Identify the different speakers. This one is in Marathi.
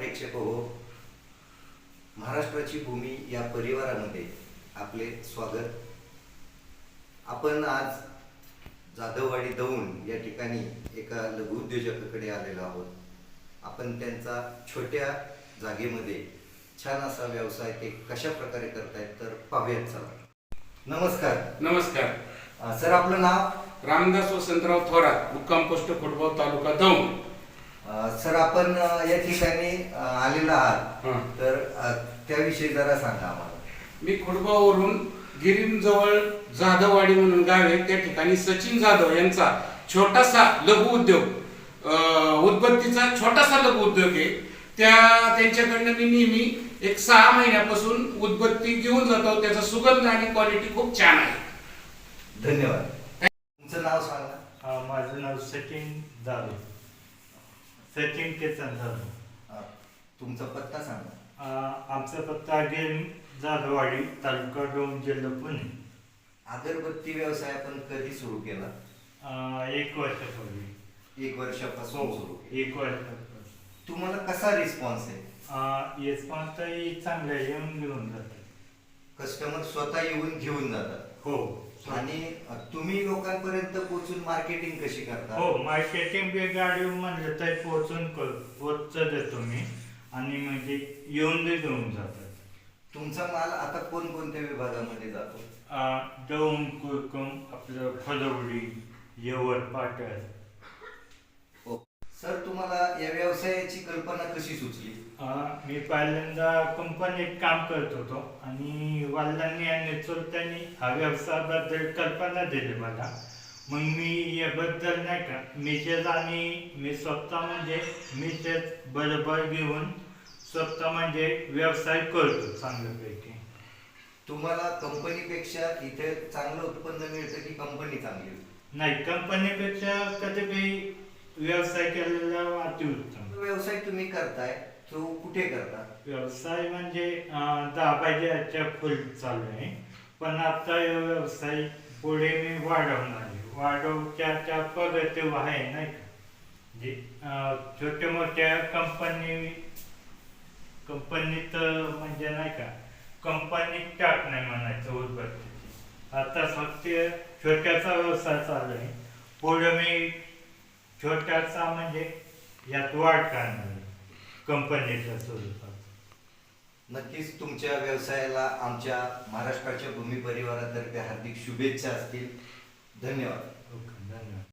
Speaker 1: प्रेक्षक हो, महाराष्ट्राची भूमी या परिवारामध्ये आपले स्वागत। आपण आज जाधववाडी दौंड या ठिकाणी एका लघुउद्योजकाकडे आलेलो आहोत। आपण त्यांचा छोट्या जागेमध्ये छान असा व्यवसाय ते कशा प्रकारे करतायत तर पाहूयात। चला। नमस्कार।
Speaker 2: नमस्कार
Speaker 1: सर, आपलं नाव?
Speaker 2: रामदास वसंतराव थोरात, मुक्काम पोस्ट खोडगाव, तालुका दौंड।
Speaker 1: सर, आपण या ठिकाणी आलेला आहात तर त्याविषयी जरा सांगा आम्हाला।
Speaker 2: मी खोडगाववरून गिरीमजवळ जाधववाडी म्हणून गाव आहे, त्या ठिकाणी सचिन जाधव यांचा छोटासा लघु उद्योग, उदबत्तीचा छोटासा लघु उद्योग आहे। त्यांच्याकडनं मी नेहमी एक 6 महिन्यापासून उदबत्ती घेऊन जातो। त्याचा सुगंध आणि क्वालिटी खूप छान आहे।
Speaker 1: धन्यवाद। तुमचं नाव सांगा।
Speaker 3: माझं नाव सचिन जाधव, सचिन केतन जाधव।
Speaker 1: तुमचा पत्ता सांगा।
Speaker 3: आमचा पत्ता गिरीम जाधववाडी, तालुका दौंड, जिल्हा पुणे।
Speaker 1: अगरबत्ती व्यवसाय आपण कधी सुरू केला?
Speaker 3: 1 वर्षापूर्वी।
Speaker 1: 1 वर्षापासून सुरू केला।
Speaker 3: 1 वर्षापासून।
Speaker 1: तुम्हाला कसा रिस्पॉन्स आहे?
Speaker 3: रिस्पॉन्स तर चांगला आहे, येऊन घेऊन जातात।
Speaker 1: कस्टमर स्वतः येऊन घेऊन जातात?
Speaker 3: हो।
Speaker 1: आणि तुम्ही लोकांपर्यंत पोहोचून मार्केटिंग कशी करता?
Speaker 3: हो, मार्केटिंग बी गाडी म्हणलं तर पोहोच देतो मी, आणि म्हणजे येऊन बी घेऊन जातात।
Speaker 1: तुमचा माल आता कोणकोणत्या विभागामध्ये जातो?
Speaker 3: दौंड, कुरकुम, आपलं फलवडी, यवत, पाटण।
Speaker 1: सर, तुम्हाला या व्यवसायाची कल्पना कशी सुचली?
Speaker 3: मी पहिल्यांदा कंपनीत काम करत होतो, आणि वडिलांनी आणि चुलत्यांनी हा व्यवसायाबद्दल कल्पना दिली मला। मग मी याबद्दल नाही का मिसेस आणि मी स्वतः म्हणजे मिसेस बरोबर घेऊन स्वतः म्हणजे व्यवसाय करतो चांगल्यापैकी।
Speaker 1: तुम्हाला कंपनीपेक्षा इथे चांगलं उत्पन्न मिळतं की कंपनी चांगली?
Speaker 3: नाही, कंपनीपेक्षा कधी बी व्यवसाय केलेला अतिउत्तम।
Speaker 1: व्यवसाय तुम्ही करताय तो कुठे करता?
Speaker 3: व्यवसाय म्हणजे 10 बायच्या फुल चालू आहे, पण आता व्यवसाय पुढे मी वाढवणार आहे। वाढवच्या प्रगती आहे नाही का, जे छोट्या मोठ्या कंपनीत म्हणजे नाही का, कंपनीत टाक नाही म्हणायचं उदबत्तीची। आता फक्त छोट्याचा व्यवसाय चालू आहे, पुढे मी छोट्याचा म्हणजे यात वाढ करणार आहे कंपनीच्या स्वरूपात।
Speaker 1: नक्कीच तुमच्या व्यवसायाला आमच्या महाराष्ट्राच्या भूमी परिवारातर्फे हार्दिक शुभेच्छा असतील। धन्यवाद।
Speaker 3: धन्यवाद।